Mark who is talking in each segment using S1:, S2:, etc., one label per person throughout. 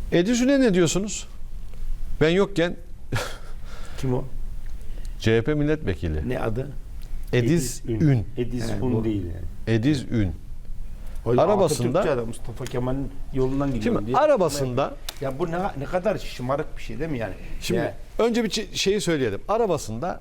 S1: Edizün'e ne diyorsunuz? Ben yokken
S2: Kim o?
S1: CHP milletvekili.
S2: Ne adı?
S1: Ediz Ün.
S3: Ediz
S2: He,
S3: Un
S2: bu.
S3: değil yani.
S1: Ediz Ün.
S2: O
S1: Arabasında-
S2: Atatürkçü adam, Mustafa Kemal'in yolundan gidiyorum
S1: Şimdi
S2: diye.
S1: arabasında
S2: Ya bu ne kadar şımarık bir şey değil mi yani?
S1: şimdi
S2: Ya,
S1: önce bir şeyi söyleyelim. Arabasında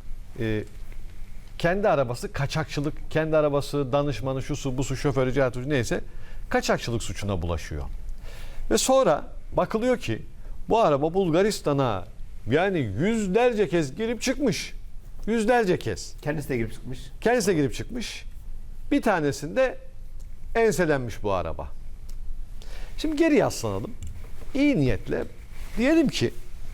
S1: kendi arabası kaçakçılık, kendi arabası danışmanı, şusu, busu, şoförü, cahatürcü neyse kaçakçılık suçuna bulaşıyor. Ve sonra bakılıyor ki bu araba Bulgaristan'a yani yüzlerce kez girip çıkmış. Yüzlerce kez.
S2: kendisi de girip çıkmış.
S1: Kendisi de girip çıkmış. Bir tanesinde enselenmiş bu araba. Şimdi geri yaslanalım. İyi niyetle diyelim ki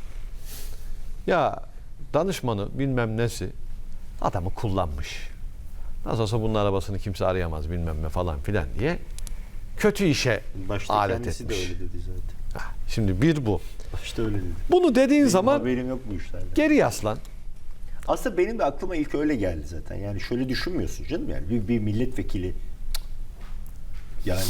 S1: ya danışmanı bilmem nesi adamı kullanmış. Nasıl olsa bunun arabasını kimse arayamaz bilmem ne falan filan diye kötü işe
S3: Başta
S1: alet
S3: kendisi
S1: etmiş.
S3: de öyle dedi zaten.
S1: Şimdi bir bu.
S3: Başta öyle dedi.
S1: Bunu dediğin
S3: Benim
S1: zaman
S3: haberim yok bu işlerden.
S1: geri yaslan.
S3: Aslında benim de aklıma ilk öyle geldi zaten. Yani şöyle düşünmüyorsun canım yani bir milletvekili yani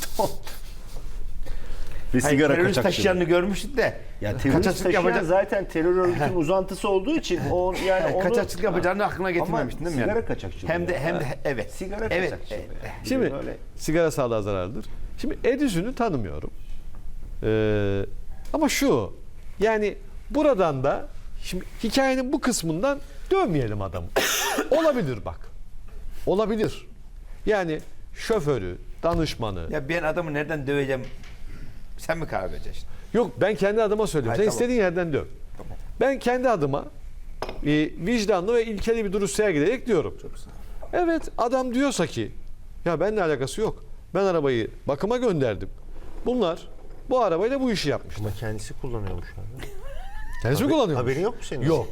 S3: bir
S2: Hayır,
S3: sigara
S2: terörist
S3: kaçakçılığı.
S2: taşıyanını görmüştük de.
S3: Ya terörist
S2: kaçakçılık
S3: taşıyan
S2: yapacak.
S3: zaten terör örgütünün uzantısı olduğu için o yani onu
S2: Kaçakçılık yapacağını aklına getirmemiştin değil mi?
S3: sigara
S2: yani?
S3: kaçakçılığı.
S2: Hem de evet.
S3: Sigara
S2: Evet.
S3: kaçakçılığı.
S1: Şimdi
S3: Böyle-
S1: sigara sağlığa zararlıdır. Şimdi Edison'u tanımıyorum. Ama şu yani buradan da şimdi hikayenin bu kısmından dövmeyelim adamı. Olabilir bak. Olabilir. Yani şoförü, danışmanı.
S2: Ya ben adamı nereden döveceğim? Sen mi karar vereceksin?
S1: Yok ben kendi adıma söylüyorum.
S2: Hayır,
S1: Sen
S2: tamam.
S1: istediğin yerden döv.
S2: Tamam.
S1: Ben kendi adıma vicdanlı ve ilkeli bir duruş sergileyerek diyorum.
S2: Çok sağ ol.
S1: Evet adam diyorsa ki ya benimle alakası yok. Ben arabayı bakıma gönderdim. Bunlar bu arabayla bu işi yapmışlar.
S3: Ama kendisi kullanıyormuş abi.
S1: Kendisi mi kullanıyor?
S3: Haberin yok mu senin?
S1: Yok.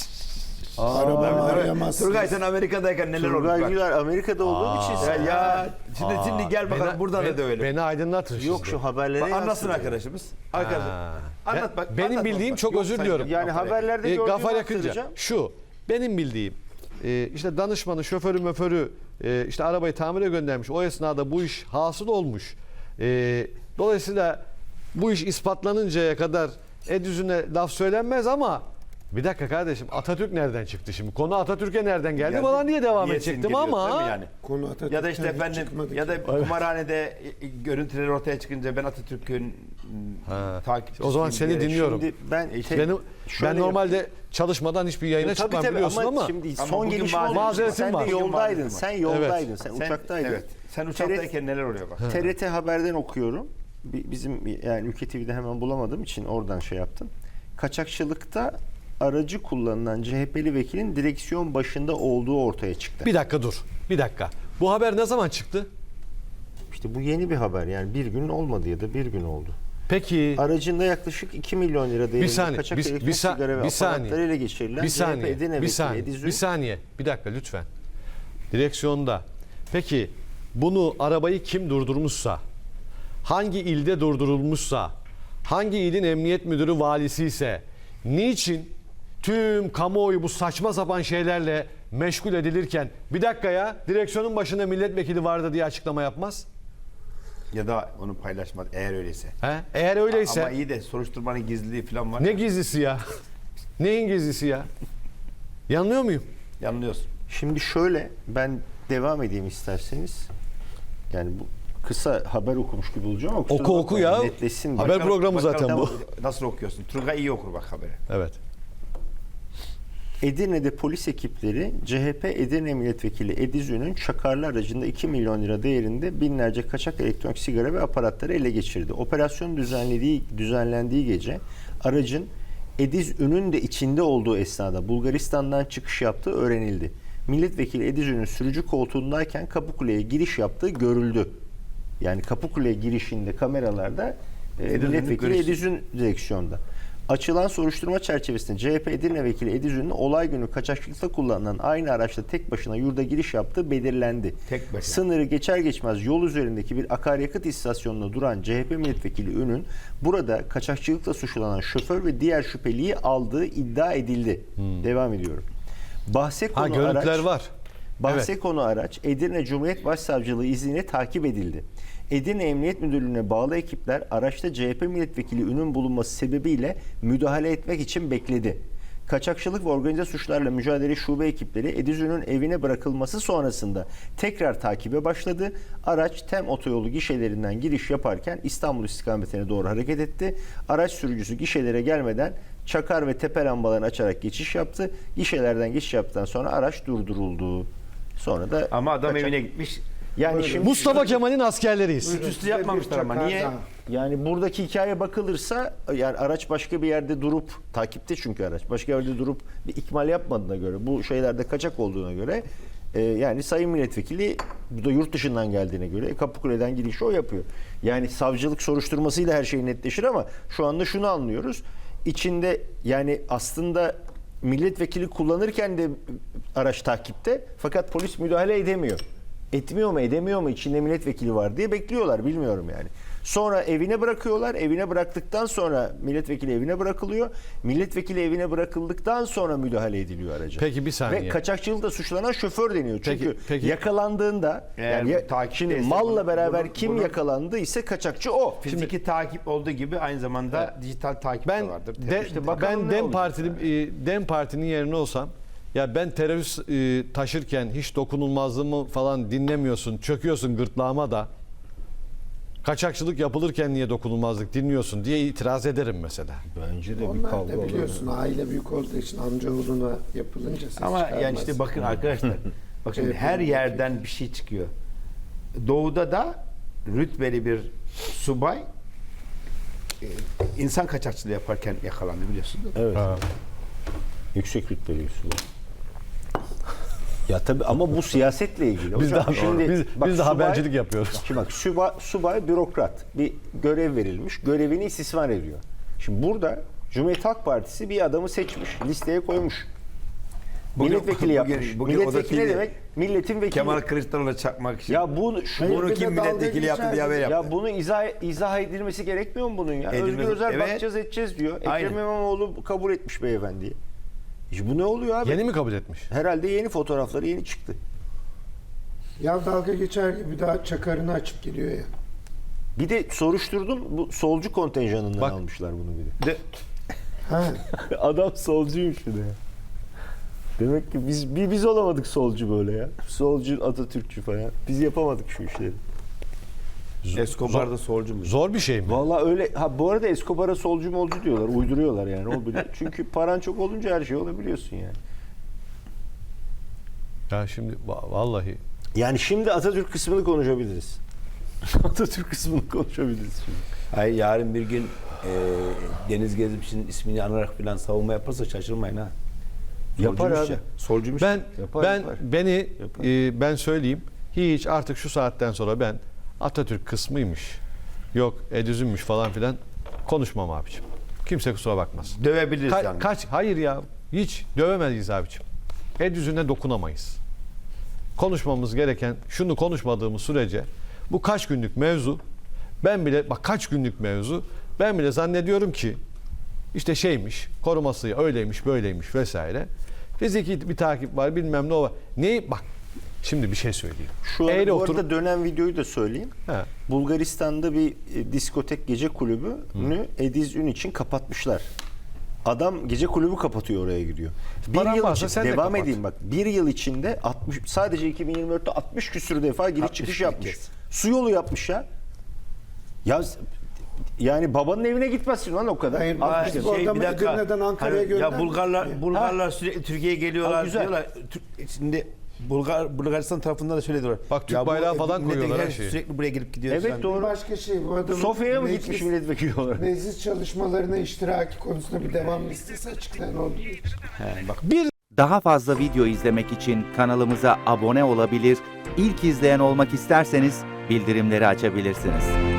S4: Arabamı arayamazsınız.
S2: Turgay sen Amerika'dayken neler oldu?
S3: Turgay
S2: bak.
S3: Güler Amerika'da olduğu için
S2: Ya,
S3: sen...
S2: ya şimdi gel bakalım buradan da dövelim.
S1: Beni aydınlatın
S3: Yok
S1: şimdi.
S3: şu haberlere
S2: Bak, anlatsın
S3: yansıdı.
S2: arkadaşımız. Arkadaşım. Anlat bak.
S1: Benim
S2: anlat
S1: bildiğim
S2: bak.
S1: çok
S2: Yok,
S1: özür
S2: sen
S1: diliyorum.
S2: yok.
S3: Yani haberlerde gördüğümü
S1: Gafar Yakınca
S3: aktaracağım.
S1: şu benim bildiğim işte danışmanı şoförü möförü işte arabayı tamire göndermiş. O esnada bu iş hasıl olmuş. Dolayısıyla bu iş ispatlanıncaya kadar Edüzü'ne laf söylenmez ama bir dakika kardeşim Atatürk nereden çıktı şimdi? Konu Atatürk'e nereden geldi?
S2: Geldi.
S1: Falan diye devam
S2: Niye
S1: edecektim
S2: sindiriyorsun,
S1: ama
S2: değil mi yani?
S4: Konu Atatürk'ten
S2: Ya da işte
S4: hiç
S2: efendim
S4: çıkmadı
S2: ya
S4: ki.
S2: da kumarhanede görüntüleri ortaya çıkınca ben Atatürk'ün takipçisiyim.
S1: O zaman seni
S2: diyerek-
S1: dinliyorum.
S3: Şimdi ben
S1: Ben normalde çalışmadan hiçbir yayına çıkmam biliyorsun ama
S3: şimdi
S2: Ama
S3: son
S2: bugün
S3: gelişme
S2: mazeret-
S3: oldu.
S1: mazeretim
S3: Sen
S1: var.
S3: de yoldaydın.
S2: Bugün
S3: Sen
S2: mazeretim
S3: yoldaydın. Sen
S2: Sen-
S3: uçaktaydın.
S2: Evet. Sen uçaktayken neler oluyor bak.
S3: TRT Haber'den okuyorum. Bizim yani Ülke TV'de hemen bulamadığım için oradan şey yaptım. Kaçakçılıkta aracı kullanılan CHP'li vekilin direksiyon başında olduğu ortaya çıktı.
S1: bir dakika dur. Bir dakika. Bu haber ne zaman çıktı?
S3: İşte bu yeni bir haber yani bir gün olmadı ya da bir gün oldu.
S1: Peki
S3: Aracında yaklaşık 2 milyon lira
S1: bir
S3: değerinde
S1: saniye.
S3: kaçak
S1: Bir,
S3: elektrik
S1: bir,
S3: sigara ve
S1: bir saniye.
S3: aparatları ele geçirilen
S1: Bir
S3: CHP
S1: saniye.
S3: Edirne
S1: Bir
S3: vekili
S1: saniye.
S3: Ediz Ün-
S1: Bir saniye. Bir dakika lütfen. Direksiyonda. Peki bunu arabayı kim durdurmuşsa, hangi ilde durdurulmuşsa, hangi ilin emniyet müdürü valisi ise niçin tüm kamuoyu bu saçma sapan şeylerle meşgul edilirken bir dakika ya direksiyonun başında milletvekili vardı diye açıklama yapmaz?
S2: Ya da onu paylaşmaz eğer öyleyse.
S1: He? Eğer öyleyse
S2: Ama iyi de soruşturmanın gizliliği falan var.
S1: ne gizlisi ya? Neyin gizlisi ya? Yanılıyor muyum?
S2: Yanılıyorsun.
S3: Şimdi şöyle ben devam edeyim isterseniz. Yani bu kısa haber okumuş gibi olacağım ama kusura
S1: Oku oku
S3: bakmayın,
S1: ya.
S3: netleşsin.
S1: Haber
S3: Bakalım-
S1: programı zaten bu.
S2: Nasıl okuyorsun? Turgay iyi okur bak haberi.
S1: Evet.
S3: Edirne'de polis ekipleri CHP Edirne Milletvekili Ediz Ün'ün çakarlı aracında 2 milyon lira değerinde binlerce kaçak elektronik sigara ve aparatları ele geçirdi. Operasyon düzenlendiği gece aracın Ediz Ün'ün de içinde olduğu esnada Bulgaristan'dan çıkış yaptığı öğrenildi. Milletvekili Ediz Ün'ün sürücü koltuğundayken Kapıkule'ye giriş yaptığı görüldü. Yani Kapıkule girişinde kameralarda milletvekili
S2: görüşü.
S3: Ediz Ün direksiyonda. Açılan soruşturma çerçevesinde CHP Edirne Vekili Ediz Ün'ün olay günü kaçakçılıkta kullanılan aynı araçla tek başına yurda giriş yaptığı belirlendi.
S2: Tek başına.
S3: Sınırı geçer geçmez yol üzerindeki bir akaryakıt istasyonunda duran CHP Milletvekili Ün'ün burada kaçakçılıkla suçlanan şoför ve diğer şüpheliyi aldığı iddia edildi. Devam ediyorum. Bahse
S1: Ha
S3: konu
S1: görüntüler
S3: araç,
S1: var.
S3: Bahse
S1: Evet.
S3: konu araç Edirne Cumhuriyet Başsavcılığı izniyle takip edildi. Edirne Emniyet Müdürlüğü'ne bağlı ekipler araçta CHP milletvekili Ün'ün bulunması sebebiyle müdahale etmek için bekledi. Kaçakçılık ve organize suçlarla mücadele şube ekipleri Ediz Ün'ün evine bırakılması sonrasında tekrar takibe başladı. Araç TEM otoyolu gişelerinden giriş yaparken İstanbul istikametine doğru hareket etti. Araç sürücüsü gişelere gelmeden çakar ve tepe lambalarını açarak geçiş yaptı. Gişelerden geçiş yaptıktan sonra araç durduruldu. Sonra da
S2: Ama adam
S3: kaçak-
S2: evine gitmiş.
S3: yani şimdi
S1: Mustafa Kemal'in askerleriyiz.
S2: Üstü yapmamışlar ama
S4: Çakar
S2: niye?
S4: daha.
S3: yani buradaki hikayeye bakılırsa yani araç başka bir yerde durup takipte çünkü araç başka yerde durup bir ikmal yapmadığına göre bu şeylerde kaçak olduğuna göre yani Sayın Milletvekili bu da yurt dışından geldiğine göre Kapıkule'den girişi o yapıyor. Yani savcılık soruşturmasıyla her şey netleşir ama şu anda şunu anlıyoruz. İçinde yani aslında milletvekili kullanırken de araç takipte fakat polis müdahale edemiyor. Etmiyor mu edemiyor mu içinde milletvekili var diye bekliyorlar bilmiyorum yani. Sonra evine bırakıyorlar. Evine bıraktıktan sonra milletvekili evine bırakılıyor. Milletvekili evine bırakıldıktan sonra müdahale ediliyor araca.
S1: Peki, bir saniye.
S3: Ve kaçakçılıkla suçlanan şoför deniyor. Çünkü
S1: Peki.
S3: yakalandığında
S2: Eğer
S3: yani
S2: takipte
S3: şimdi
S2: ise
S3: malla beraber
S2: bunu-
S3: kim
S2: bunu-
S3: yakalandı ise kaçakçı o.
S2: Fiziki takip olduğu gibi aynı zamanda dijital takip
S1: Ben
S2: de vardır.
S3: İşte bakalım
S1: ben
S3: ne
S1: Dem
S3: olacak
S1: Partili Dem Parti'nin yerine olsam ya ben terörist taşırken hiç dokunulmazlığımı falan dinlemiyorsun, çöküyorsun gırtlağıma da. Kaçakçılık yapılırken niye dokunulmazlık dinliyorsun diye itiraz ederim mesela.
S3: Bence de bir
S4: Onlar
S3: kavga
S4: da biliyorsun aile büyük olduğu için amcaoğluna yapılınca ses
S2: Ama yani
S4: çıkarmaz.
S2: işte bakın arkadaşlar. Bak şimdi her yerden bir şey çıkıyor. Doğuda da rütbeli bir subay insan kaçakçılığı yaparken yakalandı biliyorsun değil mi?
S3: Evet. Yüksek rütbeli bir subay. Ya tabii ama bu siyasetle ilgili.
S1: Biz
S3: Hocam
S1: de
S3: şimdi bak,
S1: biz de
S3: subay-
S1: habercilik yapıyoruz.
S3: Şimdi bak subay bürokrat. Bir görev verilmiş. Görevini istismar ediyor. Şimdi burada Cumhuriyet Halk Partisi bir adamı seçmiş. Listeye koymuş. Milletvekili yapmış. Milletvekili ne demek? Milletin vekili.
S2: Kemal Kılıçdaroğlu'na çakmak için.
S3: Ya bunu
S2: Bunu
S4: bir de
S2: kim
S4: dalga
S2: milletvekili yaptı
S4: geçer
S2: diye haber
S4: gibi.
S2: yaptı.
S3: ya bunu izah edilmesi gerekmiyor mu bunun ya?
S2: Edilmez.
S3: Özgür Özel
S2: Evet.
S3: bakacağız edeceğiz diyor.
S2: Aynen.
S3: Ekrem İmamoğlu kabul etmiş beyefendiyi. Bu ne oluyor abi?
S1: Yeni mi kabul etmiş?
S3: Herhalde yeni fotoğrafları yeni çıktı.
S4: Ya dalga geçer gibi daha çakarını açıp geliyor ya.
S3: Bir de soruşturdum. Bu solcu kontenjanından
S1: Bak.
S3: almışlar bunu bir de.
S4: Ha.
S3: Adam solcuymuş bir de. Demek ki biz olamadık solcu böyle ya. Solcu, Atatürkçü falan. Biz yapamadık şu işleri.
S2: Escobar da solcu mu?
S1: Zor bir şey mi?
S3: Vallahi öyle. Ha bu arada Escobar'a solcu molcu diyorlar. Uyduruyorlar yani. O bile. Çünkü paran çok olunca her şey olabiliyorsun yani.
S1: Ya şimdi vallahi
S3: Yani şimdi Atatürk kısmını konuşabiliriz. Atatürk kısmını konuşabiliriz şimdi.
S2: Hayır yarın bir gün Deniz Gezmiş'in ismini anarak falan savunma yaparsa şaşırmayın ha.
S3: Yapar
S2: Solcuymuş
S3: abi.
S2: ya. Solcuymuş.
S1: ben
S3: Yapar.
S1: ben söyleyeyim. Hiç artık şu saatten sonra ben Atatürk kısmıymış. Yok Ediz'ünmüş falan filan konuşmam abiciğim. Kimse kusura bakmasın.
S2: Dövebiliriz yani.
S1: Hayır ya. Hiç dövemeyiz abiciğim. Ediz'üne dokunamayız. Konuşmamız gereken şunu konuşmadığımız sürece bu kaç günlük mevzu kaç günlük mevzu ben bile zannediyorum ki işte şeymiş koruması öyleymiş böyleymiş vesaire. Fiziki bir takip var bilmem ne o var. Bak şimdi bir şey söyleyeyim.
S3: Şu an
S1: Eğri
S3: bu
S1: oturup-
S3: arada dönen videoyu da söyleyeyim.
S1: He.
S3: Bulgaristan'da bir diskotek gece kulübünü Ediz Ün için kapatmışlar. Adam gece kulübü kapatıyor oraya giriyor. Bir
S1: Paran
S3: yıl
S1: varsa
S3: için
S1: sen de
S3: devam
S1: kapat.
S3: edeyim bak. Bir yıl içinde sadece 2024'te 60 küsür defa giriş
S2: 60
S3: çıkış
S2: bir
S3: yapmış.
S2: kez.
S3: Su yolu yapmış ya. Ya yani babanın evine gitmezsin lan o kadar.
S4: Hayır,
S3: Aa,
S4: bak,
S3: işte
S4: bu adamı Edirne'den Ankara'ya
S2: Hani ya
S4: göndermiyor.
S2: Bulgarlar sürekli Türkiye'ye geliyorlar
S3: Ha, güzel.
S2: diyorlar. Şimdi Bulgaristan tarafından da şöyle diyorlar.
S1: Bak, Türk
S2: Ya bu
S1: bayrağı falan
S2: milletvekili
S1: koyuyorlar her şeyi.
S2: Sürekli buraya gelip gidiyor.
S3: Evet,
S2: falan.
S3: doğru.
S4: Bir başka şey bu adamın
S3: Sofya'ya mı
S4: meclis-
S3: gitmiş milletvekili olarak?
S4: Meclis çalışmalarına iştiraki konusunda bir devam listesi açıklayan oldu.
S2: He, bak
S5: Daha fazla video izlemek için kanalımıza abone olabilir, ilk izleyen olmak isterseniz bildirimleri açabilirsiniz.